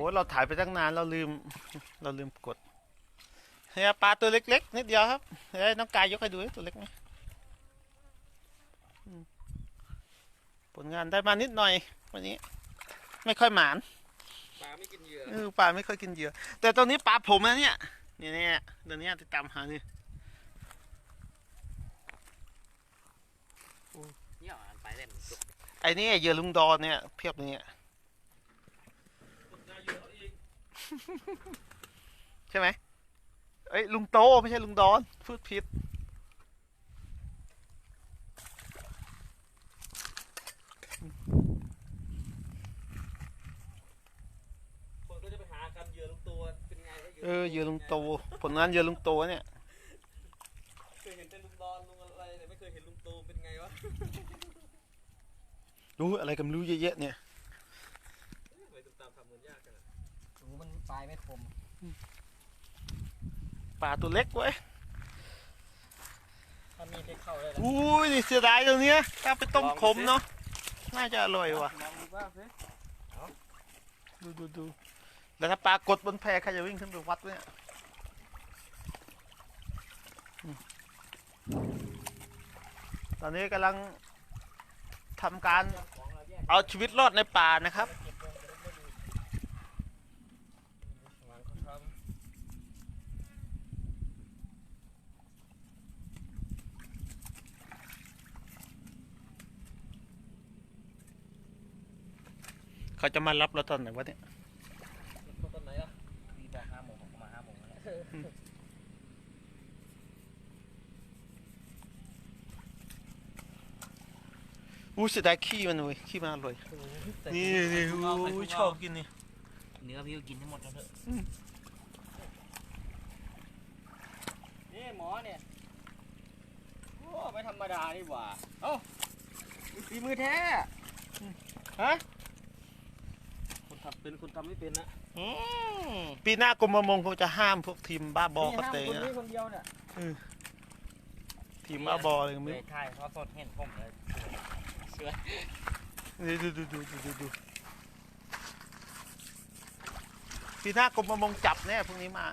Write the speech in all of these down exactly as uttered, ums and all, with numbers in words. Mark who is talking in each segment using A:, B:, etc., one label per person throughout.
A: เราถ่ายไปตั้งนานเราลืมเราลืมกดเนี่ยปลาตัวเล็กๆนิดเดียวครับเฮ้ยน้องกายยกให้ดูตัวเล็กไหมผลงานได้มานิดหน่อยวันนี้ไม่ค่อยหมาน
B: ปลาไม่กินเหยื่อ
A: เออปลาไม่ค่อยกินเหยื่อแต่ตอนนี้ปลาผมนะเนี่ยเนี่ยเนี่ยเดี๋ยวนี้ติดตามหานี่
B: เนี่ยไปเล่น
A: ไอ้นี่เหยื่อลุงดอนเนี่ยเพียบเนี่ยใช่ไหมเอ้ยลุงโตไม่ใช่ลุงดอนพูดผิด
B: คนก็จะไปหากันเหยื่อลุงตัวเป็นไง
A: เออเหยื่อลุงโตผลงานเหยื่อลุงโตเนี่ย
B: เคยเห็นแต่ลุงดอนลุงอะไรแต่ไม่เคยเห็นลุงโตเป็นไงวะ
A: รู้อะไรกันรู้เยอะๆเนี่ย
B: ไปตุ่มตามทำเหมือนยากกันอ่ะรู้มันปลายไม่คม
A: ปลาตัวเล็กเว้ย
B: ถ้ามีได้เข้าได้แล้ว
A: อุ้ยนี่เสียดายตรงเนี้ยถ้าไปต้มขมเนาะน่าจะอร่อยว่ะดูดูดูแล้วถ้าปลากดบนแพใครจะวิ่งขึ้นไปวัดเนี่ยตอนนี้กำลังทำการเอาชีวิตรอดในป่านะครับเขาจะมารับเราตอนไหนวะเนี่ย
B: ตอนไหนล่ะมีบอกห้าโมงมาห้าโมงแล้ว
A: อู้เสียดายขี้มันเลยขี้มันอร่อยนี่นี่อู้ชอบกินนี่
B: เนื้อพี่ก็กินให้หมดแล้วเถอะนี่หมอเนี่ยโอ้ไม่ธรรมดานี่หว่าเอ้าฝีมือแท้ฮะคนทำเป็นคนทำไม่เป็นนะ
A: ปีหน้ากรมประมงคงจะห้ามพวกทีมบ้าบอเขาเตะนะ
B: คนเดียวเนี่ย
A: ทีมบ้าบอเลยมึง
B: ใช่เพราะสดเห็นผมเลยเสือ
A: นี่ดูดูดูดูดูดูปีหน้ากรมประมงจับแน่พวกนี้มา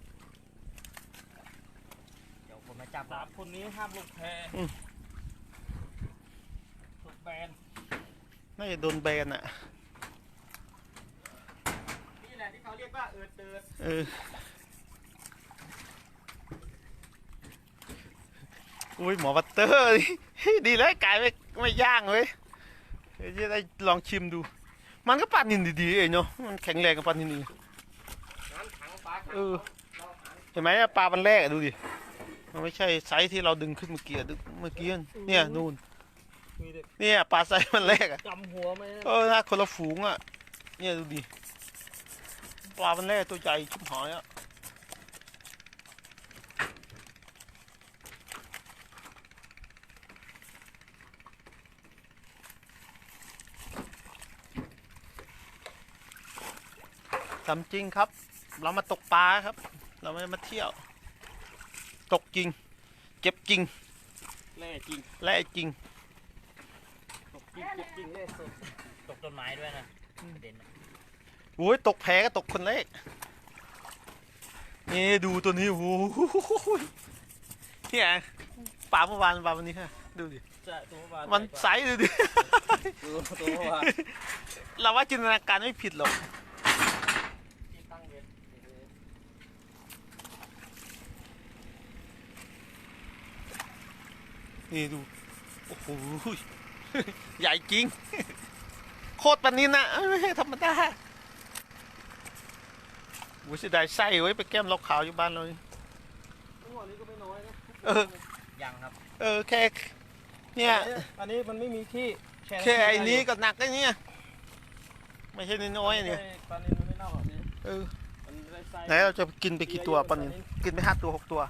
B: เดี๋ยวผมมาจับสามคนนี้ห้ามลงแพถูกแบน
A: น่าจะโดนแบนอ่ะ
B: นี่แหละที่เขาเรียกว่าเอิดเดิน
A: เอออุ้ยหมอบัตเตอร์ดีเลยกายไม่ไม่ย่างเลยจะได้ลองชิมดูมันก็ปลานินดีๆเองเนาะมันแข็งแรงกับปลานินเออเห็นไหมปลามันแรกดูดิมันไม่ใช่ไซส์ที่เราดึงขึ้นเมื่อกี้เมื่อกี้เนี่ยนู่นเนี่ยปลาไซส์มันแรกอะ
B: จำหัวไหม
A: เออน่าคนละฝูงอ่ะเนี่ยดูดิปลามันแรกตัวใหญ่ชิบหายอ่ะทำจริงครับเรามาตกปลาครับเราไม่ได้มาเที่ยวตกจริงเก็บจริง
B: แล่จริง
A: แล่จริง
B: ตกจริงเก็บจริงแล่สดตกต้นไม้ด้วยนะเด่น
A: โอ้ยตกแพก็ตกคนเล็กนี่ดูตัวนี้โอ้โหเนี่ยปลาเมื่อวานปลาวันนี้ฮะดูดิมันใสดูดิเราว่าจินตนาการไม่ผิดหรอกนี่ดูโอ้โหใหญ่จริงโคตรปนินนะไม่ใช่ธรรมดาโอ้ยเสียดายไส้ไว้ไปแก้มล็อกขาวอยู่บ้านเรานี่
B: ก็ไม่น้อยนะ
A: เออ
B: ยังครับ
A: เออแค่เนี่ย
B: อันนี้มันไม่มีที่
A: แค่ไอ้นี้ก็หนักไอ้นี่ไม่ใช่น้อยเนี่ย
B: ปลานินมันไม่เน่าแบบนี้
A: เออไหนเราจะกินไปกี่ตัวปลานินกินไปห้าตัวหกตัว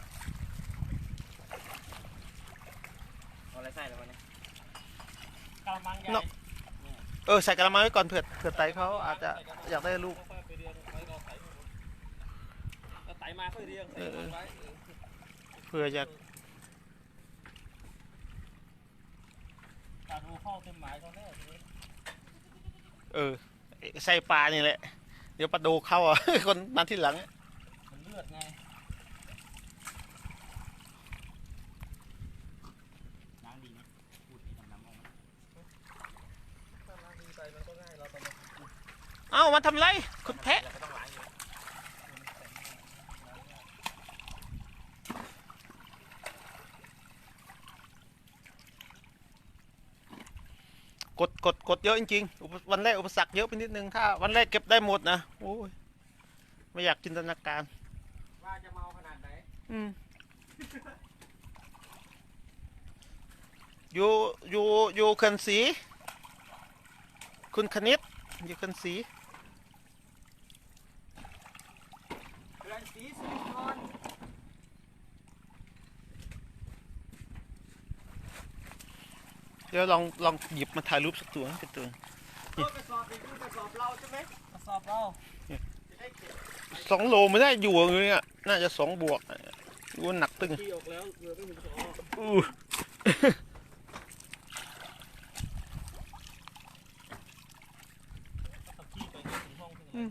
B: อะไรใส่แล้วเนี่ยกระมังใหญ่
A: เออใส่กระมังไว้ก่อนเผื่อเผื่อไตเขาอาจจะอยากได้ลูก
B: ไตมาเพื่อเรียง
A: เผื่อจะ
B: การดูเข้าเต็มหมายตอนแรก
A: เออใส่ปลานี่แหละเดี๋ยวปลาโดเข้าอ่ะ คนมาที่หลัง
B: มันเลือดไงล้างดีไหมพูดให้น้ำๆออกมาถ้าล้างดีไปมันก็ง่ายเราต้องมา
A: เอ้ามาทำไรคุณแพะ
B: เราก็ต้องล้างอยู่
A: กดกดกดเยอะจริงๆอุปวันแรกอุปสรรคเยอะไปนิดนึงถ้าวันแรกเก็บได้หมดนะโอ้ยไม่อยากจินตนาการ
B: ว่าจะเมาขนาดไหน
A: อืมอยู่อยู่อยู่เขันสีคุณคณิตอยู่เขันสี
B: เรือนสีสิริพร
A: เดี๋ยวลองลองหยิบมาถ่ายรูปสักตัวเป็นตัว
B: เออกระสอบนี่คือกระสอบเราใช่ไหมกระสอบเราจะได้เก็บ
A: สองโลไม่ได้อยู่เลยอ่ะน่าจะสองบวกดูว่าหนักตึง
B: ที่ออกแล้วเรือไม่ถึงสอง
A: อู้
B: ขับขี่ไปถึงห้องถึงอะไร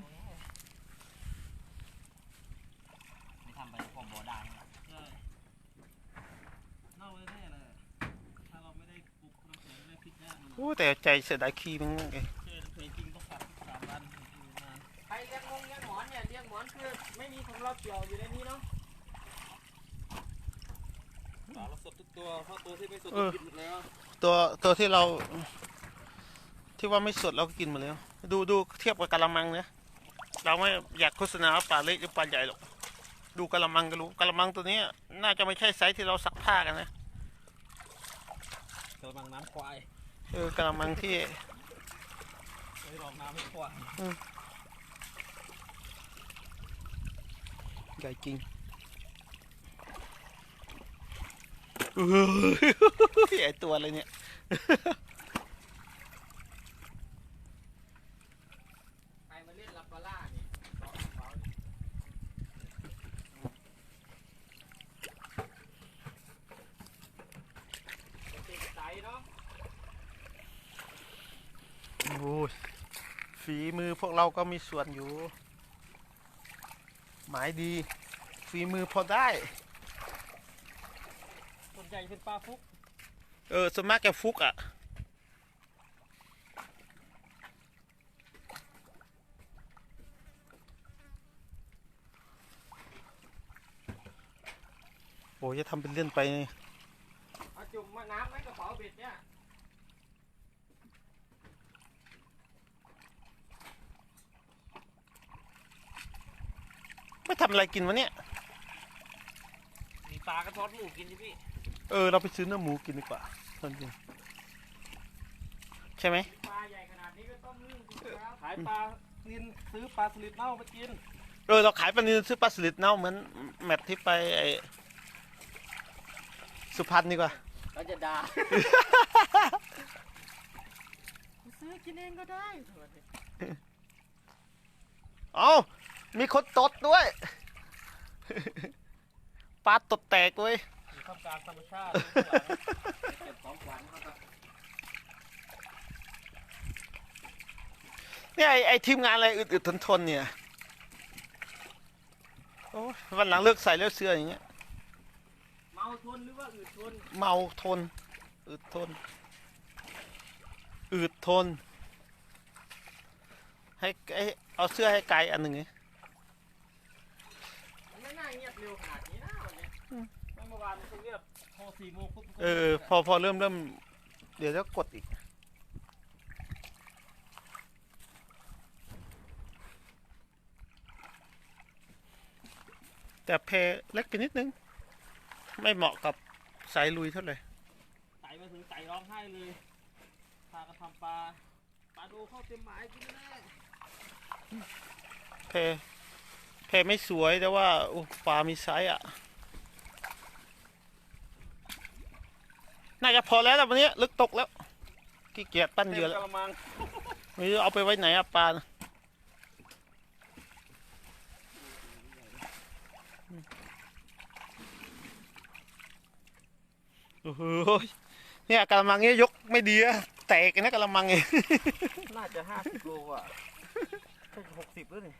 B: ไม่ทำไปพอบ่อได้ใช่เน่าแน่เลยถ้าเราไม่ได้ปลุกน้ำแข็งไม่ได้พลิกแน่มัน
A: โอ้แต่ใจเสียดายขี้มันไง
B: เจอเคยจริงต้องขับสามวันอยู่นานใครเลี้ยงงงเลี้ยงหมอนเนี่ยเลี้ยงหมอนคือไม่มีของเราเกี่ยวอยู่ในนี้เนาะปลาเราสดทุกตัวเพราะตัวที่ไม่สดเรากินหมดแล้ว
A: ตัวตัวที่เรา ที่ว่าไม่สดเราก็กินหมดแล้ว ดูดูเทียบกับกะละมังเนี่ยเราไม่อยากโฆษณาว่าปลาเล็กหรือปลาใหญ่หรอกดูกะละมังก็รู้กะละมังตัวนี้น่าจะไม่ใช่ไซส์ที่เราซักผ้ากันนะ
B: กระมังน้ำควาย
A: เออกะละมังที่
B: ไว้รองน้ำให้ควาย
A: ใหญ่จริงเออใหญ่ตัวเลยเนี่ย
B: ใครมาเล่นลับปลาล่าเนี่ยสองกระเป๋าเนี่ยติดใจเนาะ
A: โอ้ยฝีมือพวกเราก็มีส่วนอยู่ หมายดีฝีมือพอได้
B: ส่วนใหญ่เป็นปลาฟุก
A: เออสวนมากแกฟุกอ่ะโอ้ยจะทำเป็นเล่นไปนี่
B: เอาจุ่มมาน้ำไหมกระเป๋าเบ็ดเนี่ย
A: ไม่ทำอะไรกินวะเนี่ย
B: มีปลากระท้อนหมูกินใช่พี่
A: เออเราไปซื้อเนื้อหมูกินดีกว่าตอนนี้ใช่ไหม
B: ปลาใหญ่ขนาดนี้ก็ต้องนึ่งสิครับขายปลานินซื้อปลาสลิดเน่ามากิน
A: เออเราขายปลานิลซื้อปลาสลิดเน่าเหมือนแมทที่ไปไอสุพรรณดีกว่า
B: เราจะด่า ซื้อกินเองก็ได้
A: เอามีคนตดด้วย ปลาตดแตกเว้ย
B: อยู่ท่ามกลางธรรมชาติเก็บของขวัญเข้าไป
A: เนี่ยไอไอทีมงานอะไรอึดๆทนๆเนี่ยโอ้ยวันหลังเลิกใส่เลิกเสื้ออย่างเงี้ย
B: เมาทนหรือว่าอืดทน
A: เมาทนอึดทนอืดทนให้ไอเอาเสื้อให้ไกลอันหนึ่งไง
B: มันไม่น่าเงียบเร็วขนาดนี้นะวันนี้เมื่อวานมันก็เงียบพอสี่โมงปุ๊บ
A: เออพอพอเริ่มเริ่มเดี๋ยวจะกดอีกแต่เพเล็กไปนิดนึงไม่เหมาะกับสายลุยเท่าไหร่
B: ไต่มาถึงไต่ร้องไห้เลยพากระทำปลาปลาดูเข้าเต็มหมายกินไม่ได้
A: เพเพไม่สวยแต่ว่าโอ้ปลามีไซส์อ่ะน่าจะพอแล้วแต่วันนี้ลึกตกแล้วขี้เกียจปั้นเหยื่อแล้ว
B: กระมัง
A: ไม่รู้เอาไปไว้ไหนอะปลาน่ะโอ้โหเนี่ยกระมังเนี้ยยกไม่ดีอะแตกนะกระมังเอง
B: น่าจะห้าสิบโลอ่ะใช่หกสิบแล้วนี่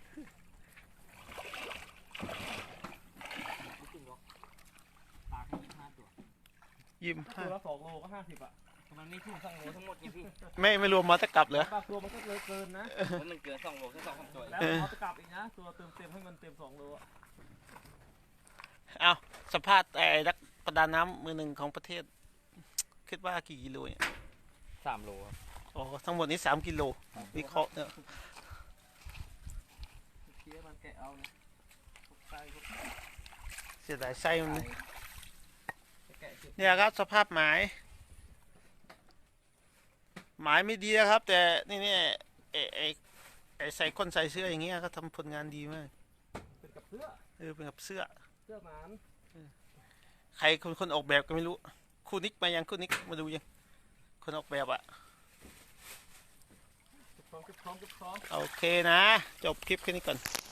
B: จริงหรอปลาแค่ยี่สิบห้าตัว
A: ยิม
B: ตัวละสองโลก็ห้าสิบอ่ะมันไม่ถึงสองโลทั้งหมดไงพี่
A: ไม่ไม่รวมมอเตอร์กลับเหรอ
B: ปลาตัวมันก็เลยเกินนะแล้วมันเกินสองโลแค่สองสามตัวแล้วเขาจะกลับอีกนะตัวเติมเต็มให้มันเต็มสองโลอ่ะ
A: เอาสภาพไอ้นักประดาน้ำมือหนึ่งของประเทศ คิดว่ากี่กิโลเนี่ย
B: สามโล
A: อ๋อทั้งหมดนี้สามกิโลวิเคราะห์เนี่ย
B: เคี้ยมันแกะเอาเนี่ยพวกไส้พวก
A: เสียดายไส้มันนะ
B: แกะสิ
A: เนี่ยครับสภาพหมาย หมายไม่ดีนะครับ แต่นี่เนี่ยไอ้ไอ้ไอ้ใส่คนใส่เสื้ออย่างเงี้ยเขาทำผลงานดีมาก
B: เป็นกับเสื้อ
A: เออเป็นกับเสื้อ
B: เสื้อหมาน
A: ใครคนคนออกแบบก็ไม่รู้คู่นิกมายังคู่นิกมาดูยังคนออกแบบอะ
B: เก็บพร้อมเก็บพร้อมเก็บพร้อม
A: โอเคนะ จบคลิปแค่นี้ก่อน